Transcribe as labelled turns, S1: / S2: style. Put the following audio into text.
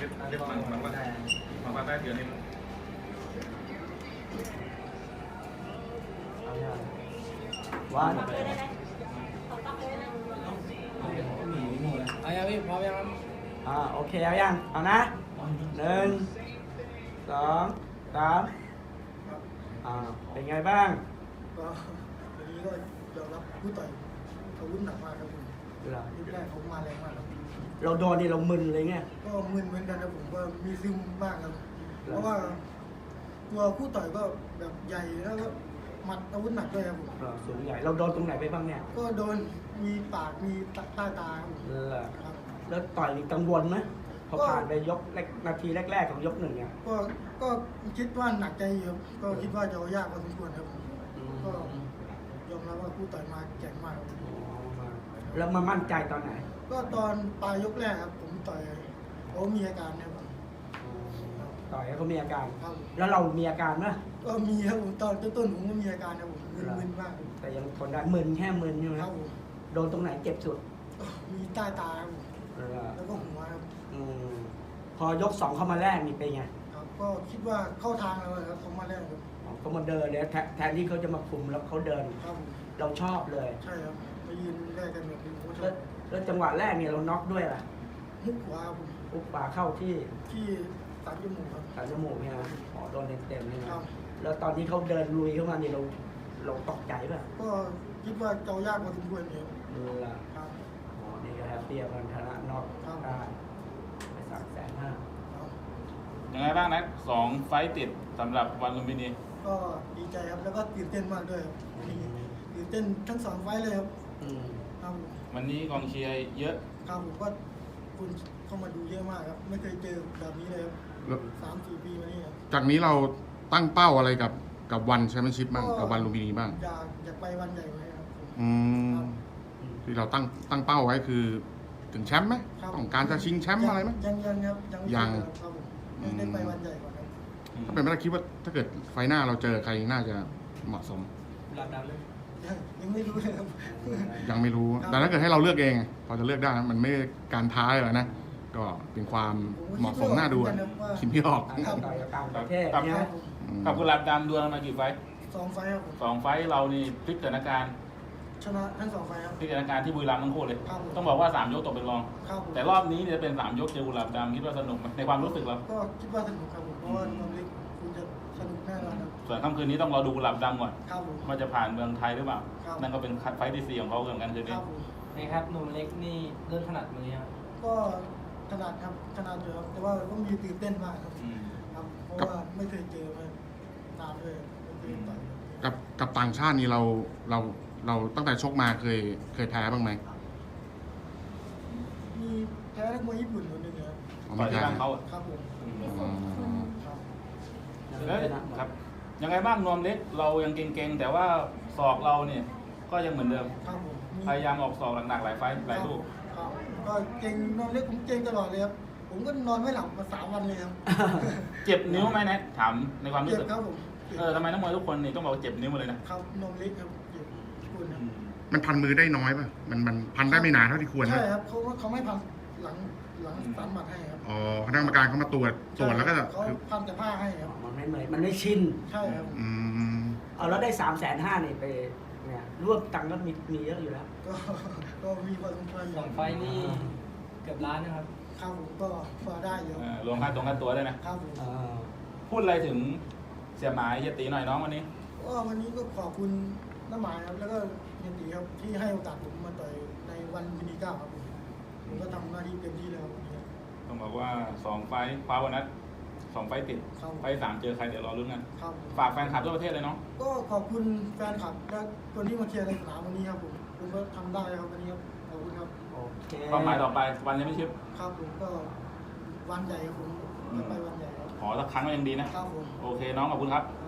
S1: รีบมาได้เดี๋ยวนี้
S2: วัน
S3: เอายังพี่พร้อมยังครับ
S2: โอเคเอายังเอานะ1 2 3เป็นไงบ้าง
S4: ก็วันนี้ก็ยอมรับผู้ต่อยอาวุธหนักมากครับผมยกแรกเขามาแรงมากครับ
S2: เราโดนนี่เรามึนเลยไง
S4: ก็มึนเหมือนกันนะผมก็มีซึมบ้างครับ เพราะว่าตัวผู้ต่อยก็แบบใหญ่แล้วก็หมัดอาวุธหนักด้วยครับผม
S2: สูงใหญ่เราโดนตรงไหนไปบ้างเนี่ย
S4: ก็โดนมีปากมีใต้ตาครับผมครับ
S2: แล้วต่อยนี่กังวลไหมพอผ่านไปยกนาทีแรกๆของยก1เนี่ย
S4: ก็คิดว่าหนักใจอยู่ครับก็คิดว่าจะยากพอสมควรครับผมก็ยอมรับว่าผู้ต่อยมาแข็งมากครับ
S2: แล้วมามั่นใจตอนไหน
S4: ก็ตอนปลายยกแรกครับผมต่อยเขามีอาการเนี่ยผม
S2: ต่อยให้เขามีอาการ
S4: ครับ
S2: แล้วเรามีอาการไหม
S4: ก็มีครับผมตอนต้นผมก็มีอาการนะผมมึนๆมาก
S2: แต่ยังทนได้มึนแค่มึนใช่ไหม
S4: ครับผม
S2: โดนตรงไหนเจ็บสุด
S4: ก็มีใต้ตาครับผมแล้วก็หัวครับ
S2: อืมพอยก2เข้ามาแรกนี่เป็นไง
S4: ครับก็คิดว่าเข้าทางแล้วครับเขามาแรกครับ
S2: เขามาเดินเลยแทนที่เขาจะมาคุมแล้วเขาเดิน
S4: ครับผม
S2: เราชอบเลย
S4: ใช่ครับมายืนแรกกันแบบนี้ผมก็ช
S2: แล้
S4: อ
S2: ว
S4: บ
S2: แล้วจังหวะแรกเนี่ยเราน็อกด้วยล่ะ
S4: มุกขวาครับผม
S2: อุกปาเข้าที่
S4: ที่ตัดจมูกครับ
S2: ตัดจมูกเนี่ยนะโดนเต็มๆเลย
S4: ครั
S2: นะ
S4: บ
S2: แล้วตอนที่เขาเดินลุยเข้ามาเนี่ยเราตกใจป่ะ
S4: ก็คิดว่าเจ้ายากพอสมควรเนี่ย
S2: ล่ะ
S4: ครับ
S2: นี่ก็แฮปปี้กันชนะน็อก
S4: ครับ
S2: ได้ไป350,000
S4: ครับ
S1: ยังไงบ้างนะ2 ไฟต์ติดสำหรับวันลุมพินี
S4: ก็ดีใจครับแล้วก็ตื่นเต้นมากด้วยครับตื่นเต้นทั้งสองไฟล์เลยครับ
S2: อืม
S4: ครับผม
S1: วันนี้กองเชียร์เยอะ
S4: ครับผมก็คุณเข้ามาดูเยอะมากครับ ไม่เคยเจอแบบนี้เลยครับ
S5: แล้ว
S4: 3-4 ปีมานี่ครับ
S5: จากนี้เราตั้งเป้าอะไรกับวันแชมเปี้ยนชิพบ้างกับวันลุมพินีบ้าง
S4: อยากไปวันใหญ่ไว้ครับผม
S5: อืมที่เราตั้งเป้าไว้คือถึงแชมป์ไหม
S4: ครับ
S5: ต้องการจะชิงแชมป์อะไรไหม
S4: ยังครับไม่
S5: ยัง
S4: ถึครับผมยังได้ไปวันใหญ่ก่อนครับ
S5: ถ้าเป็นไปได้คิดว่าถ้าเกิดไฟหน้าเราเจอใครน่าจะเหมาะสม
S4: ยังไม่รู้เลยครับ
S5: ยังไม่รู้
S4: ครับ
S5: แต่ถ้าเกิดให้เราเลือกเองพอจะเลือกได้นะมันไม่การท้าเลยหรอกนะ ก็เป็นความเหมาะสมน่าดูอะคิดไม่ออก
S2: ต่อยกับต่างประเทศ
S1: ครับ
S2: เนี่ย
S1: กับกุหลาบดำดวลมากี่ไฟต์
S4: 2 ไฟล์ครับผม
S1: 2 ไฟต์เรานี่พลิกสถานการณ์
S4: ชนะทั้ง2 ไฟล์ครับ
S1: พลิกสถานการณ์ที่บุรีรัมย์ทั้งคู่เลย
S4: ครับผม
S1: ต้องบอกว่า3 ยกตกเป็นรอง
S4: ครับผม
S1: แต่รอบนี้เนี่ยเป็น3 ยกเจอกุหลาบดำคิดว่าสนุกไหมในความรู้สึกเรา
S4: ก็คิดว่าสนุกครับผมเพราะว่าน้องเล็กคุณจะสนุกแน่นอนครับ
S1: ส่วนค่ำคืนนี้ต้องรอดูกุหลาบดำก่อน
S4: ครับผม
S1: ว่าจะผ่านเมืองไทยหรือเปล่า
S4: ครับ
S1: นั่นก็เป็นไฟต์ที่4ของเขาเหมือนกันคืน
S4: ค
S1: นี้
S4: รับผม
S3: นี่ครับหนุ่มเล็กนี่เริ่มถนัดมือครับ
S4: ก็ขนาดครับขนาดอยู่ครับแต่ว่าก็มีตื่นเต้นมากครับ
S1: อืม
S4: ครับเพราะว่าไม่เคยเจอมานานด้วยไม่เคยต่อยครับ
S5: กับต่างชาตินี่เราตั้งแต่ชกมาเคยแพ้บ้างไหม
S4: มีแพ้นักมวยญี่ปุ่นคนหนึ่งครับ
S5: อ๋อ
S1: ต่
S5: ไม่
S1: อยที่
S5: แพ้
S1: บ้านเขาอะ
S4: ครับผม
S5: อ๋อ
S4: ครับ
S1: แล้วครับยังไงบ้างนวมเล็กเรายังเก่งๆแต่ว่าศอกเราเนี่ยก็ยังเหมือนเดิม
S4: ครับผมมี
S1: พยายามออกศอกหนักๆหลายไฟต์หลายลูก
S4: ครับก็เก่งนอนเล็กผมเก่งตลอดเลยครับผมก็นอนไม่หลับมา3 วันเลยครับ
S1: เจ็บนิ้วไหมนะถามในความรู้
S4: เจ็บ
S1: สึก
S4: ครับผมเจ็บ
S1: ทำไมนักมวยทุกคนนี่ต้องบอกว่าเจ็บนิ้วหมดเลยนะครับ
S4: นมเล็กครับเจ็บคุณครับ
S5: มันพันมือได้น้อยป่ะมันพันได้ไม่นานเท่าที่ควร
S4: ใช่
S5: นะครับ
S4: เขาไม่พันหลังสันหมัดให้ครับ
S5: อ๋อคณะกรรมการเขามาตรวจแล้วก็
S4: เขาพันแต่ผ้าให้ครับ
S2: มันไม่เหมือนมันไม่ชิน
S4: ใช่ครับ
S5: อืม
S2: เอาแล้วได้350,000นี่ไปเนี่ยรวบตังค์ก็มีเยอะอยู่แล้ว
S4: ก็มีพอสมควรอยู่
S3: 2 ไฟล์นี่เกือบล้านนะครับ
S4: ครับผมก็พอได้อยู่
S1: รวมค่าตัวด้วยนะครับ
S4: ผม
S1: พูดอะไรถึงเสียหมายเฮียตีหน่อยน้องวันนี้
S4: ก็วันนี้ก็ขอบคุณน้าหมายครับแล้วก็เฮียตีครับที่ให้โอกาสผมมาต่อยในวันมินิก้าครับผมก็ทำหน้าที่เต็มที่แล้ววันนี้ครับ
S1: ต้องบอกว่า2 ไฟต์คว้าวันนัด2 ไฟต์ติด
S4: ครับ
S1: ไฟต์3เจอใครเดี๋ยวรอลุ้นกัน
S4: ครับ
S1: ฝากแฟนคลับทั่วประเทศเลยเนาะ
S4: ก็ขอบคุณแฟนคลับและคนที่มาเชียร์ในสนามวันนี้ครับผมก็ทำได้ครับวันนี้ครับขอบคุณครับ
S2: โอเค
S1: เป้าหมายต่อไปวันยังไม่ชิป
S4: ครับผมก็วันใหญ่ครับผมจะไปวันใหญ่ครับ
S1: ขอสักครั้งก็ยังดีนะ
S4: ครับผม
S1: โอเคน้องขอบคุณครับ
S4: ค